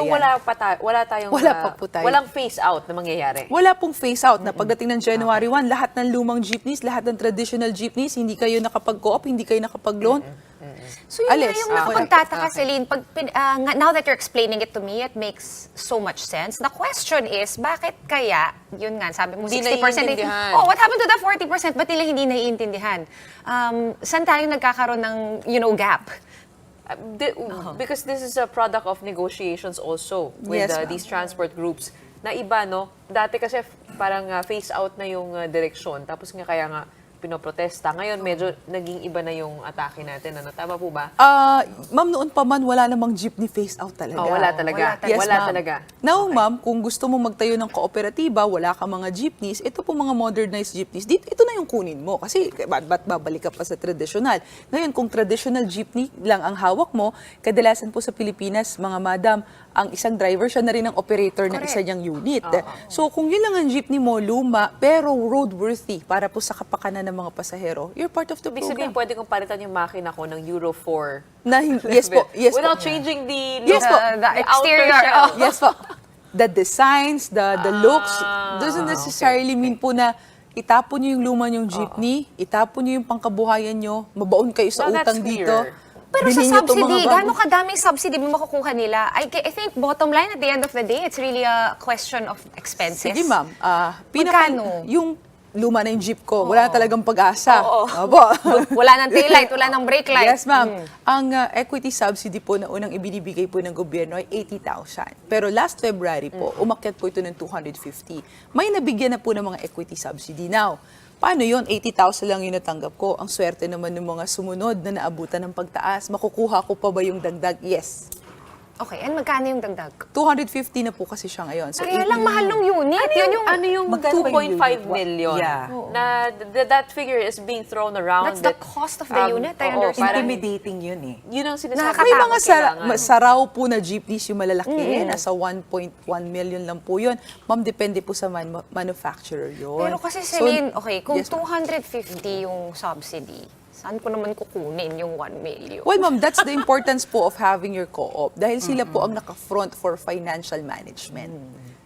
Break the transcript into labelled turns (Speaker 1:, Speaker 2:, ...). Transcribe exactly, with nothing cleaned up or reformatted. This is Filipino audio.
Speaker 1: So
Speaker 2: yan.
Speaker 1: wala pa ta- wala tayong
Speaker 2: Wala
Speaker 1: ah,
Speaker 2: pa po tayo.
Speaker 1: walang phase out na mangyayari.
Speaker 2: Wala pong phase out na pagdating ng January first, lahat ng lumang jeepneys, lahat ng traditional jeepneys, hindi kayo nakapag-co-op, hindi kayo nakapag-loan.
Speaker 3: So yun
Speaker 2: Alis.
Speaker 3: nga yung
Speaker 2: Ah,
Speaker 3: nakapagtataka, Celine. Pag, pin- ah, nga- now that you're explaining it to me, it makes so much sense. The question is, bakit kaya, yun nga, sabi mo,
Speaker 1: Hindi
Speaker 3: sixty percent.
Speaker 1: naiintindihan.
Speaker 3: Oh, what happened to the forty percent? Ba't nila hindi naiintindihan? Um, saan tayo nagkakaroon ng, you know, gap?
Speaker 1: Uh, di- Because this is a product of negotiations also with
Speaker 2: Yes,
Speaker 1: uh,
Speaker 2: ma'am.
Speaker 1: these transport groups. Na iba, no? Dati kasi f- parang uh, phase out na yung uh, direksyon. Tapos nga kaya nga pinoprotesta. Ngayon, medyo naging iba na yung atake natin. Ano? Tama po ba?
Speaker 2: Ah, ma'am, noon pa man, wala namang jeepney phase out talaga.
Speaker 1: Oh, wala talaga.
Speaker 3: Wala talaga.
Speaker 1: Wala
Speaker 2: ma'am.
Speaker 1: talaga.
Speaker 2: Now, ma'am, kung gusto mo magtayo ng kooperatiba, wala ka mga jeepneys, ito po mga modernized jeepneys, dito, ito na yung kunin mo. Kasi ba't, ba't babalik ka pa sa traditional? Ngayon, kung traditional jeepney lang ang hawak mo, kadalasan po sa Pilipinas, mga madam, ang isang driver, siya na rin ang operator ng isa niyang unit. So, kung yun lang ang jeepney mo, luma, pero roadworthy para po sa kapakanan ng mga pasahero, you're part of the
Speaker 1: Ibig sabihin,
Speaker 2: program.
Speaker 1: pwede kong palitan yung makina ko ng Euro four.
Speaker 2: Na, hin- yes po, yes
Speaker 1: Without
Speaker 2: po.
Speaker 1: changing the
Speaker 2: Yes
Speaker 1: look,
Speaker 2: po.
Speaker 3: The- the
Speaker 1: outer
Speaker 3: exterior,
Speaker 1: shell.
Speaker 3: oh.
Speaker 2: Yes po. The designs, the the looks, doesn't
Speaker 1: Ah,
Speaker 2: necessarily mean po na itapon niyo yung luma niyong jeepney, itapon niyo yung pangkabuhayan niyo, mabaon kayo sa
Speaker 1: Well, that's
Speaker 2: utang dito.
Speaker 1: clear.
Speaker 3: Pero
Speaker 2: bilhin
Speaker 3: sa
Speaker 2: niyo to, mga
Speaker 3: subsidy,
Speaker 2: bago.
Speaker 3: gano'ng kadaming subsidy mo makukuha nila? I, I think bottom line at the end of the day, it's really a question of expenses.
Speaker 2: Sige ma'am, ah, pinaka,
Speaker 3: Magkano?
Speaker 2: yung luma na yung jeep ko, wala na talagang pag-asa.
Speaker 3: Oo.
Speaker 2: Opo.
Speaker 3: Wala ng taillight, wala ng brake light.
Speaker 2: Yes, ma'am. Ang uh, equity subsidy po na unang ibinibigay po ng gobyerno ay eighty thousand. Pero last February po, umakyat po ito ng two hundred fifty. May nabigyan na po ng mga equity subsidy. Now, paano yun? eighty thousand lang yung natanggap ko. Ang swerte naman ng mga sumunod na naabutan ng pagtaas. Makukuha ko pa ba yung dagdag? Yes.
Speaker 3: Okay, and magkano yung dagdag?
Speaker 2: two hundred fifty na po kasi siya ngayon. So,
Speaker 3: Kaya
Speaker 2: eighty
Speaker 3: lang mahal ng unit.
Speaker 1: Ano
Speaker 3: Yun
Speaker 1: yung,
Speaker 3: yung,
Speaker 1: ano yung
Speaker 4: Magkano
Speaker 1: two
Speaker 4: ba yung
Speaker 1: point five
Speaker 4: unit?
Speaker 1: million?
Speaker 4: Yeah.
Speaker 1: Na th- that figure is being thrown around.
Speaker 3: That's the
Speaker 1: that,
Speaker 3: cost of the
Speaker 1: um,
Speaker 3: unit, I
Speaker 1: oo,
Speaker 3: understand.
Speaker 1: parang
Speaker 4: Intimidating yun eh.
Speaker 1: yun ang sinasabi.
Speaker 3: Nakakatakot
Speaker 2: May mga sa,
Speaker 1: kailangan.
Speaker 2: ma- saraw po na jeepneys yung malalaki, nasa one point one million lang po yun. Ma'am, depende po sa man- manufacturer yun.
Speaker 3: Pero kasi
Speaker 2: So,
Speaker 3: Celine, okay, kung
Speaker 2: yes, ma'am.
Speaker 3: two hundred fifty yung subsidy, saan ko naman kukunin yung one million?
Speaker 2: Well, ma'am, that's the importance po of having your co-op dahil sila po ang naka-front for financial management.